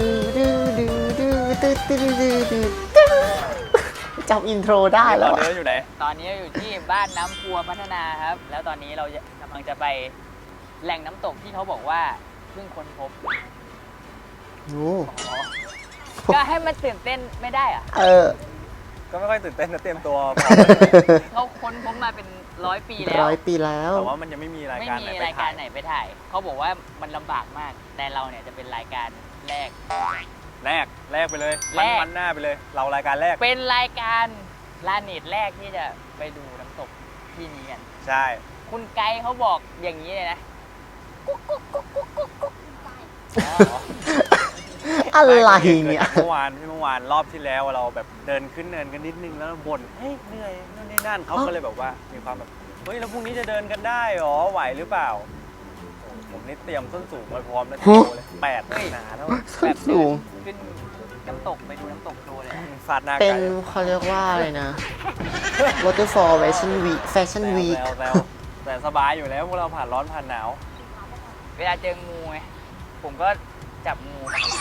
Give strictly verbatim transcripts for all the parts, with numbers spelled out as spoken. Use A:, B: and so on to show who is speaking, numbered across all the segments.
A: ดื้อดื้อดื้อดื้อดื้อดื้อดื้อดื้อดื้อจำอินโทรได้
B: ต
A: แล้
B: อน
A: ว
B: นี้เราอยู่ไหน
C: ตอนนี้เราอยู่ที่บ้านน้ำพัวพัฒนาครับ แล้วตอนนี้เราจะกำลังจะไปแหล่งน้ำตกที่เขาบอกว่าเพิ่งค้นพบ
A: โอ้
C: ก็ให้มันตื่นเต้นไม่ได้อะ
A: เออ
B: ก็ไม่ค่อยตื่นเต้นนะเตรียมตัวพอ
C: เขาค้นพบมาเป็นร้อยปีแล้ว
A: ร้อยปีแล้ว
B: แต่ว่ามันยังไม่มีราย
C: ไม่
B: การ
C: มี
B: ไหนไป
C: รายกา
B: ถ่าร ย
C: ไหนไปถ่าย เขาบอกว่ามันลำบากมาก แต่เราเนี่ยจะเป็นรายการแรก
B: แรกแรกไปเลย
C: แร
B: มัน
C: ก
B: มันหน้าไปเลย เรารายการแรก
C: เป็นรายการลาเนตแรกที่จะไปดูน้ำตกที่นี้กัน
B: ใช่
C: คุณไกด์เขาบอกอย่างนี้เลยนะกุ๊กกุ๊กกุ๊กกุ๊กกุ๊กกุ๊กอ๋อ
A: อะไรเนี่ย
B: เมื่อวานที่เมื่อวานรอบที่แล้วเราแบบเดินขึ้นเนินกันนิดนึงแล้วบ่นเฮ้ยเหนื่อยนู่นนี่นั่นเขาก็เลยแบบว่ามีความแบบเฮ้ยแล้วพรุ่งนี้จะเดินกันได้หรอไหวหรือเปล่าโอ้ผมนี่เตรียมส้นสูงไว้พร้อมแล้วโชว์เลยแปดหนาแล้ว
A: ส้นสูง
C: ขึ้นน้ำตกไปดูน้ำตกโชว์เลยนะ
B: ฟาดหน้า
A: เป็
B: ไก่
A: นเขาเรียกว่าอะไรนะ Waterfall Fashion Week Fashion
B: แซว
A: Week
B: แซวแซวแต่สบายอยู่แล้วพวกเราผ่านร้อนผ่านหนาว
C: เวลาเจองูไงผมก็จับงู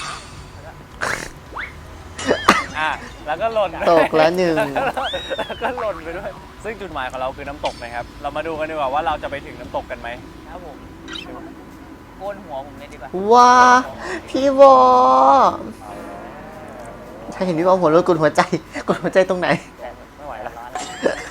B: อ่ะแล้วก็หล่น
A: ตกแล้วหนึ่ง
B: แล้วก็หล่นไปด้วย ซึ่งจุดหมายของเราคือน้ำตกนะครับ เรามาดูกันดีกว่าว่าเราจะไปถึงน้ำตกกันไหม
C: ครับผมโกนหัวผมเลยดีกว่า
A: ว้า พี่วอถ้าเห็นพี่วอหัวรถกดหัวใจกดหัวใจตรงไหน
C: แต่
B: ไม่ไหวแล้ว
C: ร้อน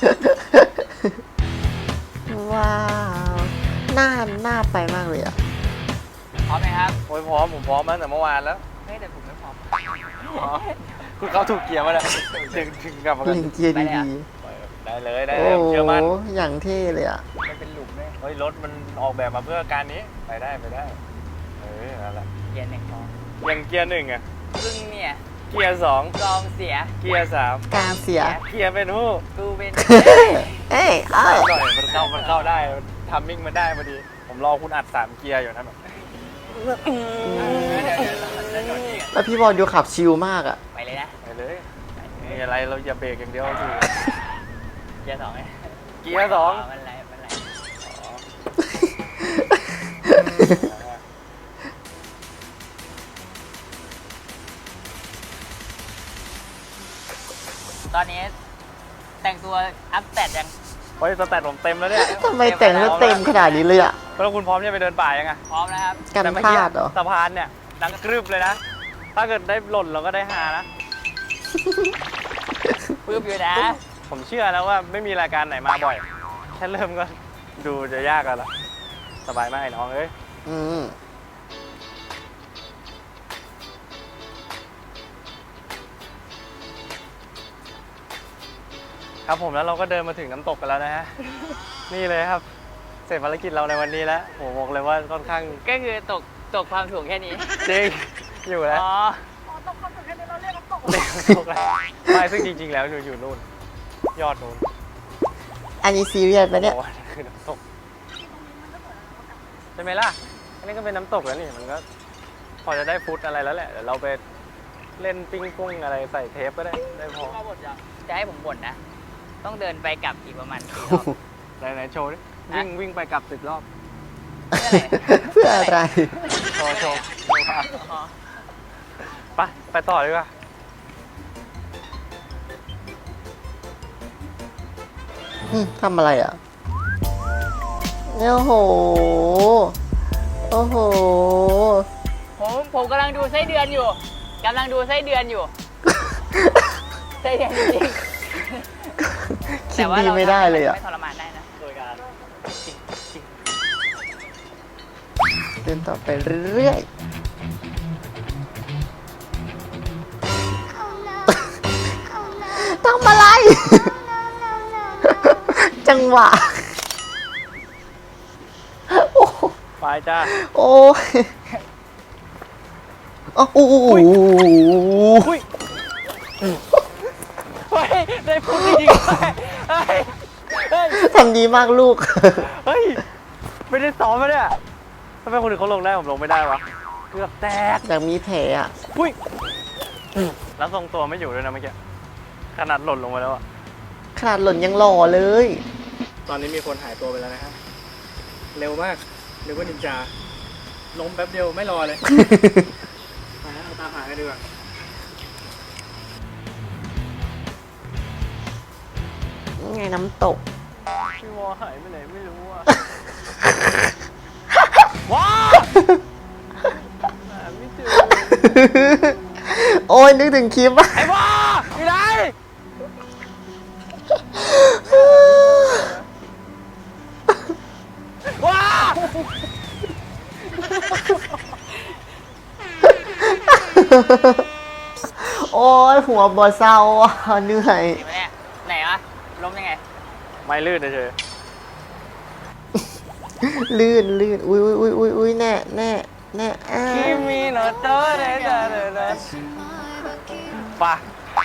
C: แล้ว
A: ว้าว น่าน่าไปมากเลยอ่ะ
C: พร้อมไหมครับ
B: โอ้ยพร้อมผมพร้อมมาตั้งแต่เมื่อวานแล้ว
C: เฮ้ยแต่ผมไม่พร้อม
B: คุณเขาถูกเกียร์มาแล้วถึงถึงกลับมากัน
A: เล่นเกียร์
C: ไปเลย
A: ดี
C: อะ
B: ได้เลยได้
A: ๆ โอ้
B: เลย
A: โห
B: เชื่อมั่น
A: อย่างเท่เลยอ่ะ
C: มันเป็นหลุมเลย
B: เฮ้ยรถมันออกแบบมาเพื่อการนี้ไปได้ไปได้เออนั่นแหละ
C: เกียร์หนึ่งพอ
B: ยังเกียร์หนึ่งอ่ะ
C: ซึ่งเนี่ย
B: เกียร์สอง
C: กองเสีย
B: เกียร์สาม
A: การเสีย
B: เกียร์เป็นหู้
C: กูเป็น
A: เอ้ยเอ้ย
B: หน่อยมันเข้ามันเข้าได้ทัมมิ่งมันได้พอดี ผมรอคุณอัดสามเกียร์อยู่นะแบบ
A: แล้วพี่บอลดูขับชิลมากอ่ะ
C: ไปเลยนะ
B: ไปเลยมีอะไรเราอย่าเบรกอย่างเดียวคือ
C: เกียร์สองไง
B: เกียร์สอง
C: มันไรมันไรตอนนี้แต่งตัวอัพแตดยัง
B: เฮ้ยสแตทผมเต็มแล้วเนี่ย
A: ทำไมแต่งแล้วเต็มขนาดนี้เลยอ่ะ
B: แล้วคุณพร้อมจะไปเดินป่ายังไง
C: พร้อมนะครับ
A: กัน
B: แต่เมื่อ
A: พลาดเหรอ
B: สะพานเนี่ยดังกรึบเลยนะ ถ้าเกิดได้หล่นเราก็ได้ฮานะ
C: ปื้มอยู่นะ
B: ผมเชื่อแล้วว่าไม่มีรายการไหนมาบ่อย แค่เริ่มก็ดูจะยากแล้วล่ะ สบายมากไอ้น้องเอ้ย
A: อืม
B: ครับผมแล้วเราก็เดินมาถึงน้ำตกกันแล้วนะฮะ นี่เลยครับเสร็จภารกิจเราในวันนี้แล้วผมบอกเลยว่าค่อนข้าง
C: ก็คือตกตกความถ่วงแค่นี้
B: จริงอยู่แล้ว
C: อ๋อ
B: ตกแล้วไม่ซึ่งจริง ๆ แล้วอยู่อยู่นู่น ยอดนู่น
A: อันนี้ซีเรียสปะเนี่ย
B: โอ้โหนั่นคือน้ำตกใช่ไหมล่ะอันนี้ก็เป็นน้ำตกแล้วนี่มันก็ พอจะได้ฟุตอะไรแล้วแหละเดี๋ยวเราไปเล่นปิ้งปุ้งอะไรใส่เทปก็ได้ได้พอ
C: จะให้ผมบ่นนะ ต้องเดินไปกลับอีกประมาณสี่รอบ
B: ไหนไหนโชว์ดิวิ่งวิ่งไปกลับสิบรอบ
C: เพื่ออะไร
A: เพื่ออะไร
B: โชว์โชว์โชว์ครับ
C: อ๋อ
B: ไปไปต่อดีกว่า
A: อืมทำอะไรอ่ะโอ้โห โอ้โห
C: ผมผมกำลังดูไส้เดือนอยู่กำลังดูไส้เดือนอยู่ ไส้เดือนจริงๆ
A: คิดดีไม่ได้เลยอ่ะ
C: ไม่ทรมานได้นะ
B: โดยการจริงจริง
A: เดินต่อไปเรื่อยๆทำอะไร จังหวะ โอ้โห
B: ไปจ้า
A: โอ้ยโอ้โห
B: อุ้ยเฮ้ยได้พูดจริงๆเฮ้ยเฮ้ย
A: ทำดีมากลูก
B: เฮ้ยไม่ได้ซ้อมมาเนี่ยทำไมคนอื่นเขาลงได้ผมลงไม่ได้วะเกือบแตก
A: อยากมีแผลอ่ะ
B: อุ้ยแล้วทรงตัวไม่อยู่ด้วยนะเมื่อกี้ขนาดหล่นลงไปแล้วอะ
A: ขนาดหล่นยังหล่อเลย
B: ตอนนี้มีคนหายตัวไปแล้วนะฮะเร็วมากเร็วกว่านินจาล้มแป๊บเดียวไม่รอเลย มาเอาตามหากันดีกว่า
A: นี่ไงน้ำตก
B: พี่วอหายไปไหนไม่รู้อ่ะ ว้าหาไม่เจอ
A: โอ้ยนึกถึงคลิปอะ
B: ไอ้วออยู่ไหนว้า
A: โอ้ยหัวบอเศร้าอะเหนื่อย
C: เห็นไหมเนี่ยไหนวะล้มยังไง
B: ไม่ลื่นเฉย
A: ลื่นลื่นอุ้ยอุ้ยอุ้ยอุ้ยอุ้ยแน่แน่แน่อ้า
B: คิมิโนโตะเดะเดะเดะเดะปะ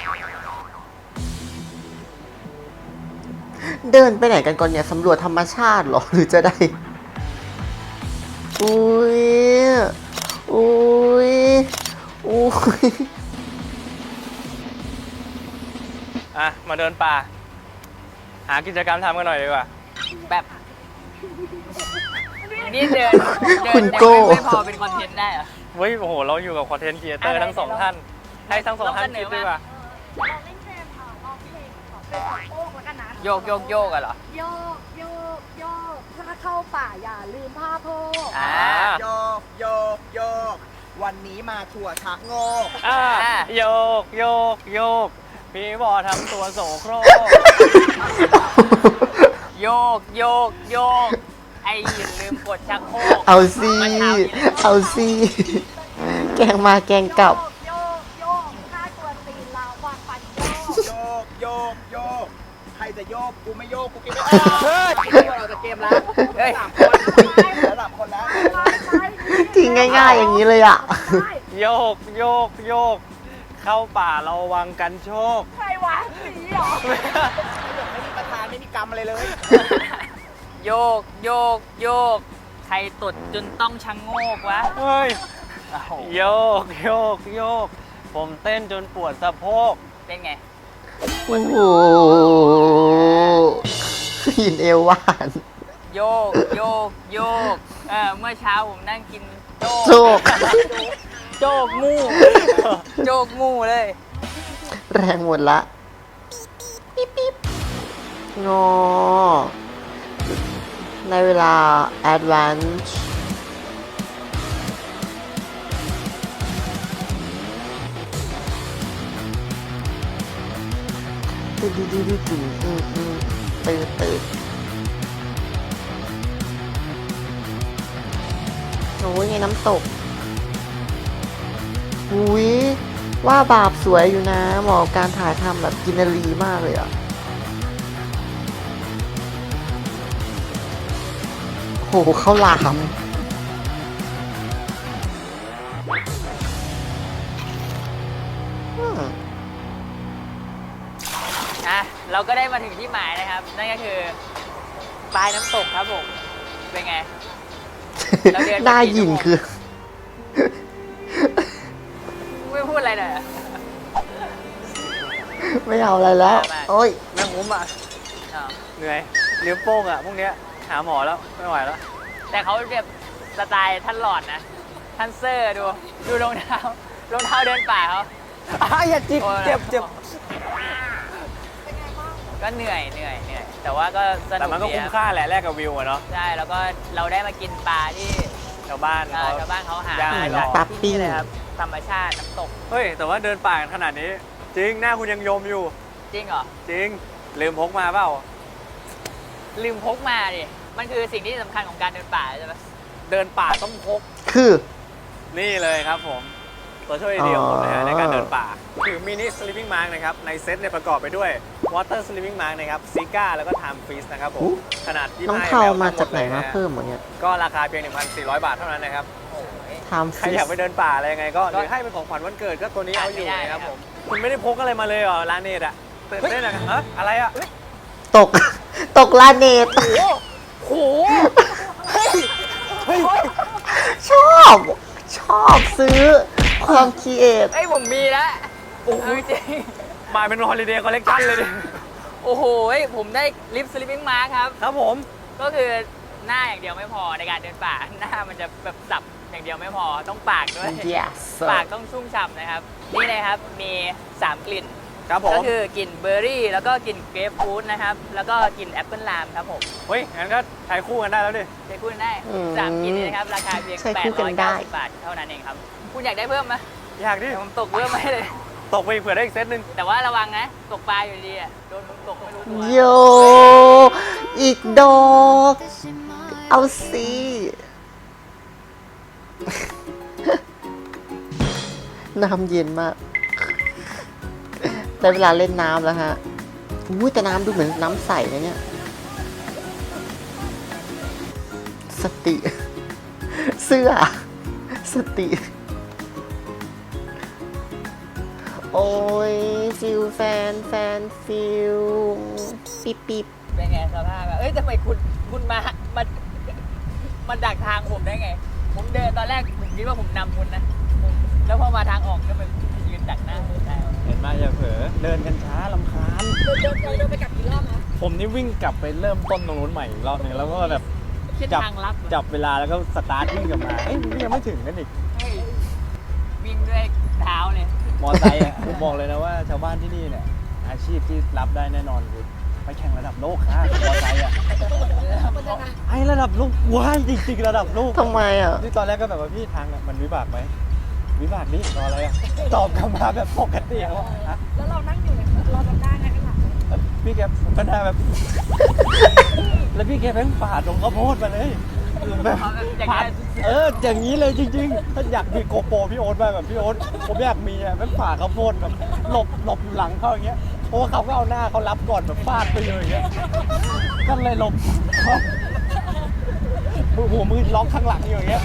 A: เดินไปไหนกันก่อนเนี่ยสำรวจธรรมชาติเหรอ หรือจะได้ อุ้ยอุ้ยอุ้ย
B: อ่ะมาเดินป่า หากิจกรรมทำกันหน่อยดีกว่า
C: แบบนี่เดินเดิ
A: คุณ
C: น
A: โก้
C: ไม่พอเป็นคอนเทนต์ได้เหรอ
B: เฮ้ยโอ้โหเราอยู่กับคอนเทนต์ครีเอเตอร์ทั้งสองท่าน ให้ทั้งสองท่านคิดดีกว่า
D: เราเล่นเกมเอ่อร้องเพลงของเป็นสองโป๊กแล้วกันนะ
C: โยกโยกโยกอะเหรอ
D: โยกโยกโยกถ้าเข้าป่าอย่าลืมผ้าโพก
C: อ่า
E: โยกโยกโยก วันนี้มาถั่วชักโงก
B: อ่ะ
C: อ่ะ
B: โยกโยกโยก พี่บอทำตัวโสโครก
C: โยกโยกโยก ไอ้อย่าลืมกดชักโครก
A: เอาสิ
C: มื่ช้นี้
A: เอาสิแกงมาแกงกลับ
D: โยกโยกถ้ากวนตีนเราวางฟันโยก
E: โยกโยกโยก ใครจะโยก กูไม่โยก กูกินไม่ออก
B: เฮ้ย
E: เราจะเกมแล้ว
C: เฮ้ย
E: สามคนแล้วสามคนแล้ว
D: ไปไป
A: ทิ้งง่ายๆอย่างนี้เลยอ่ะ
D: ไป
B: โยกโยกโยก เข้าป่าระวังกันโชค
D: ใครวะสีเหรอ
E: ไม่มีประธานไม่มีกรรมอะไรเลย
C: โยกโยกโยก ใครตดจนต้องชังโงกวะ
B: เฮ้ย
C: โอ้โห
B: โยกโยกโยก ผมเต้นจนปวดสะโพก
C: เป็นไง
A: โอ้โหหินเอวหวาน
C: โยกโยกโยก เออเมื่อเช้าผมนั่งกินโจ
A: โชค
C: โจกงูโจกงูเลย
A: แรงหมดละปิ๊บปิ๊บงอ ในเวลา advance ตื่นตื่นตื่นตื่นตื่นตื่นตื่นโอ้ยไงน้ำตก อุ้ยว่าบาปสวยอยู่นะเหมาะกับการถ่ายทำแบบกินนารีมากเลยอ่ะหข้าวหลาม อืม
C: อ่ะเราก็ได้มาถึงที่หมายนะครับ นั่นก็คือปลายน้ำตกครับผม เป็นไง เราเดินมา
A: น่า
C: กี่
A: ยิน
C: ชั่วโมง
A: คือ
C: ไม่พูดอะไรเลยเหรอ
A: ไม่เอาอะไรแล้ว
C: มา
A: โอ้ย
B: แม่งผมอ่ะ
C: อ้าว
B: เหนื่อยเลี้ยวโป้งอ่ะพวกเนี้ยหาหมอแล้วไม่ไหวแล้ว
C: แต่เขาเรียบสไตล์ท่านหลอดนะ ท่านเซอร์ดู ดูรองเท้ารองเท้าเดินป่าเขา
B: อ้าอย่าจิบ
C: โอ้ย
B: เจ็บเจ็บ
C: ก็เหนื่อยเหนื่อยเหนื่อย แต่ว่าก็สนุก
B: แต่มันก็
C: ดี
B: คุ้ม
C: รับ
B: ค่าแหละแลกกับวิวอะเนาะ
C: ใช่ แล้วก็เราได้มากินปลาที่
B: ชาวบ้าน
C: เอ่อ
B: เขา
C: ชาวบ้านเขาหา
B: ย่าง
C: มา
B: ให้
C: จาก
B: เรา
A: ปลาปิ้
C: ที่
A: ง
C: นี่เลยครับ ธรรมชาติน้ำตก
B: เฮ้ย แต่ว่าเดินป่ากันขนาดนี้ จริง หน้าคุณยังยมอยู่
C: จริงเหรอ
B: จริง ลืมพกมาเปล่า
C: ลืมพกมาดิ มันคือสิ่งที่สำคัญของการเดินป่าใช่ไหม
B: เดินป่าต้องพก
A: คือ
B: นี่เลยครับผม ตัวช่วยเดียวของผมนะ
A: อ๋
B: ฮะ
A: อ
B: ในการเดินป่า คือมินิสลิปปิ้งมาร์กนะครับ ในเซตเนี่ยประกอบไปด้วยวอเตอร์สลิปปิ้งมาร์กนะครับซิก้าแล้วก็ไทม์ฟรีซนะครับผม ขนาดยี่สิบ
A: น้อง
B: ห้า
A: เทา
B: แอล
A: มา
B: ทั้งห
A: จากไหน
B: ลย
A: มา
B: ฮะ
A: เพิ่มหมดเนี่ย
B: ก็ราคาเพียง หนึ่งพันสี่ร้อย บาทเท่านั้นนะครับ
C: โอ้ย
A: ทำ
B: ใคร
A: ฟิ
B: อยาก
A: ส
B: ไปเดินป่าอะไรยังไงก็หรือให้เป็นของขวัญวันเกิดก็ตัวนี้เอาอยู่
C: ไม่ได้
B: นะครับ
C: ครับ
B: ผม คุณไม่ได้พกอะไรมาเลยเหรอร้านเนตอะตื่นเต้นอะฮะอะไรอะ
A: ตก ตกลาเนต
C: โห
A: ชอบ ชอบซื้อความคิดเอท
C: เอ้ยผมมีแล้วโอ้โหจริง
B: มาเป็นฮอลิเดย์คอลเลกชันเลยดิ
C: โอ้โหผมได้ลิปสลิปปิ้งมาร์ครับ
B: ครับผม
C: ก็คือหน้าอย่างเดียวไม่พอในการเดินป่า หน้ามันจะแบบสับอย่างเดียวไม่พอ ต้องปากด้วย
A: yes
C: ปากต้องชุ่มฉ่ำนะครับ นี่เลยครับ มี สาม กลิ่น
B: ครับผ
C: ก็
B: ม
C: คือกลิ่นเบอร์รี่ แล้วก็กลิ่นเกรปฟรุตนะครับ แล้วก็กลิ่นแอปเปิลไลม์ครับผม
B: เฮ้ย งั้นก็ใช้คู่กันได้แล้วดิ
C: ใช้คู่กันได้
A: อืม
C: สามกลิ่นนี้นะครับ ราคาเพียง
A: ใช้
C: แป
A: คู่
C: ด
A: กั
C: ร้อน ย
A: ได้
C: เก้าสิบบาทเท่านั้นเองครับ คุณอยากได้เพิ่มไหม
B: อยากดิ
C: เดี๋ยวผมตกเพิ่มให้เลย
B: ตกไปอีกเผื่อได้อีกเซตหนึ่ง
C: แต่ว่าระวังนะ ตกปลาอยู่ดีอ่ะ โดนมึงตกไม่รู้ตัว
A: โย อีกดอก เอาสิ น้ำเย็นมาก ได้เวลาเล่นน้ำแล้วฮะอุ้ยแต่น้ำดูเหมือนน้ำใสนะเนี่ย สติ เสื้อ สติ โอ้ยฟิลแฟนแฟนฟิลปิบปิบ
C: เป็นไงสภาพอะเอ้ยทำไมคุณคุณมามามาดักทางผมได้ไง ผมเดินตอนแรกผมคิดว่าผมนำคุณนะผมแล้วพอมาทางออกก็เป็นยืนดักหน้าผมได้
B: เห็นไหมอย่าเผลอเดินกันช้าลำคาญ
D: เดินเดินเดินไปกลับกี่รอบนะ
B: ผมนี่วิ่งกลับไปเริ่มต้นตรงนู้นใหม่อีกรอบหนึงแล้วก็แบบ
C: เส้น
B: จับ
C: ทางลับ
B: จับเวลาแล้วก็สตาร์ทวิ่งกลับมา เอ้ยมันยังไม่ถึงกันอีก
C: เฮ้ยวิ่งด้วยเท้าเลย
B: มอไซค์อ่ะ ผมบอกเลยนะว่าชาวบ้านที่นี่เนี่ย อาชีพที่รับได้แน่นอนคือไปแข่งระดับโลกค่ะมอไซค์อ่ะ
D: มันยังไง
B: ไอ้ระดับโลกว้ายจริงๆระดับโลก
A: ทำไมอ่ะ
B: นี่ตอนแรกก็แบบว่าพี่ทางอะมันวิบากไหมวิบากดิรออะไรอ่ะตอบกลับมาแบบปกติอะว่าฮะ
D: แล้วเรานั่งอยู่เนี่ยเราจำได้ไงข้างหลัง
B: พี่แกก็หน้าแบบ แล้วพี่แกแม่งฝ่าตรงข้าวโพดมาเลยคือแบบ
C: เอาแบบอย่าง
B: ผ่า
C: นั้น
B: นเอออย่างนี้เลยจริงๆถ้าอยากมีโกโปรพี่โอ๊ตมาแบบพี่โอ๊ตผมอยากมีอ่ะแม่งฝ่าข้าวโพดแบบหลบหลบอยู่หลังเขาอย่างเงี้ยเพราะว่าเขาก็เอาหน้าเขารับก่อนแบบฟาดไปเลยอย่างเงี้ยก็เลยหลบมือหัวมือล็อกข้างหลังอยู่อย่างเงี้ย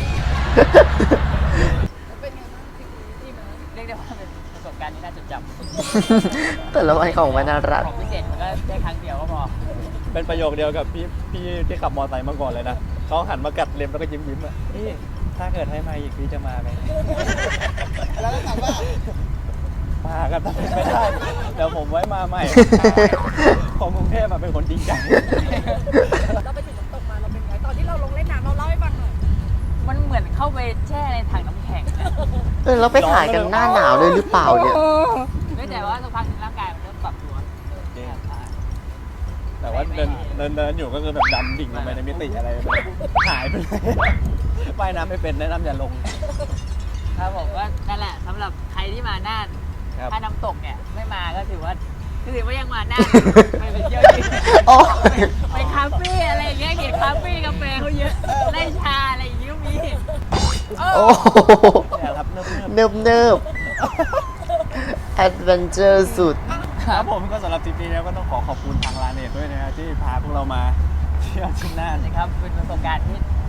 D: เป็นไงบ้างทริปนี้ดีไหม
C: เรียกได้ว่าเป็นประสบการณ์ที่น่าจดจำ
A: แต่ละวันของมันน่ารัก
C: ของพิเศษมันก็ได้ครั้งเดียวก็พอ
B: เป็นประโยคเดียวกับพี่พี่ที่ขับมอเตอร์ไซค์มาก่อนเลยนะเขาหันมากัดเล็มแล้วก็ยิ้มยิ้มๆอ่ะพี่ถ้าเกิดให้มาอีกพี่จะมาไหม
E: แล้วก็ถามว่า
B: มากันแต่ไม่ได้เดี๋ยวผมไว้มาใหม่ของกรุงเทพมาเป็นคนจริงใจ
D: เราไปถึงน้ำตกมาเราเป็นไงตอนที่เราลงเล่นน้ำเราเล่าให้ฟังหน่อย
C: มันเหมือนเข้าไปแช่ในถังน้ำแข็งนะ
A: เออเราไปถ่ายกันหน้าหนาวเลยหรือเปล่าเนี่ย
C: ไม่แต่ว่าสักพักหนึ่งร่างกายมันเริ่มปรับตัว
B: จริง แต่ว่าเดินเดินเดินอยู่ก็คือแบบดำดิ่งลงไปในมิติอะไรแบบหายไปเลยว่ายน้ำไม่เป็นแนะนำอย่าลง
C: ครับผมก็นั่นแหละสำหรับใครที่มาน่าน
B: ครับ
C: ถ้าน้ำตกเนี่ยไม่มาก็ถือว่าคือถือว่ายังมาน่าน ไปไปเที่ยวที่
A: โอ้
C: ไปไปคาเฟ่อะไรอย่างเงี้ยเห็นคาเฟ่กาแฟเขาเยอะได้ชาอะไรอย่างเงี้ยก็มี
A: โอ้
B: เนี่ยครับเนิบ
A: เนิบเนิบแอดเวนเจอร์สุด
B: ๆครับผมก็สำหรับทริปนี้นะก็ต้องขอขอบคุณทางลาเนตด้วยนะฮะที่พาพวกเรามาเที่ยวที่น่าน
C: นะครับเป็นประสบการณ์ที่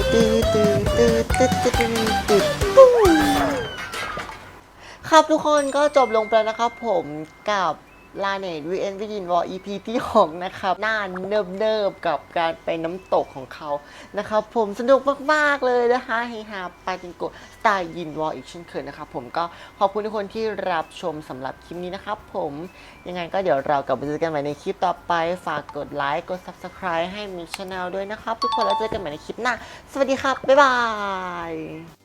A: ตื้อตื้อตื้อตื้อตื้อตื้อตื้อปุ้งครับทุกคนก็จบลงไปแล้วนะครับผมกับลาเนตวีเอ็นวิดินวอล อี พี ที่หกนะครับหน้าเนิบๆกับการไปน้ำตกของเขานะครับผมสนุกมากๆเลยนะคะเฮฮาปาจิงโกสไตล์ยินวอลอีกเช่นเคยนะครับผมก็ขอบคุณทุกคนที่รับชมสำหรับคลิปนี้นะครับผมยังไงก็เดี๋ยวเรากลับมาเจอกันใหม่ในคลิปต่อไปฝากกดไลค์กด ซับสไครบ์ ให้มิกชาแนลด้วยนะครับทุกคนแล้วเจอกันใหม่ในคลิปหน้าสวัสดีครับบ๊ายบาย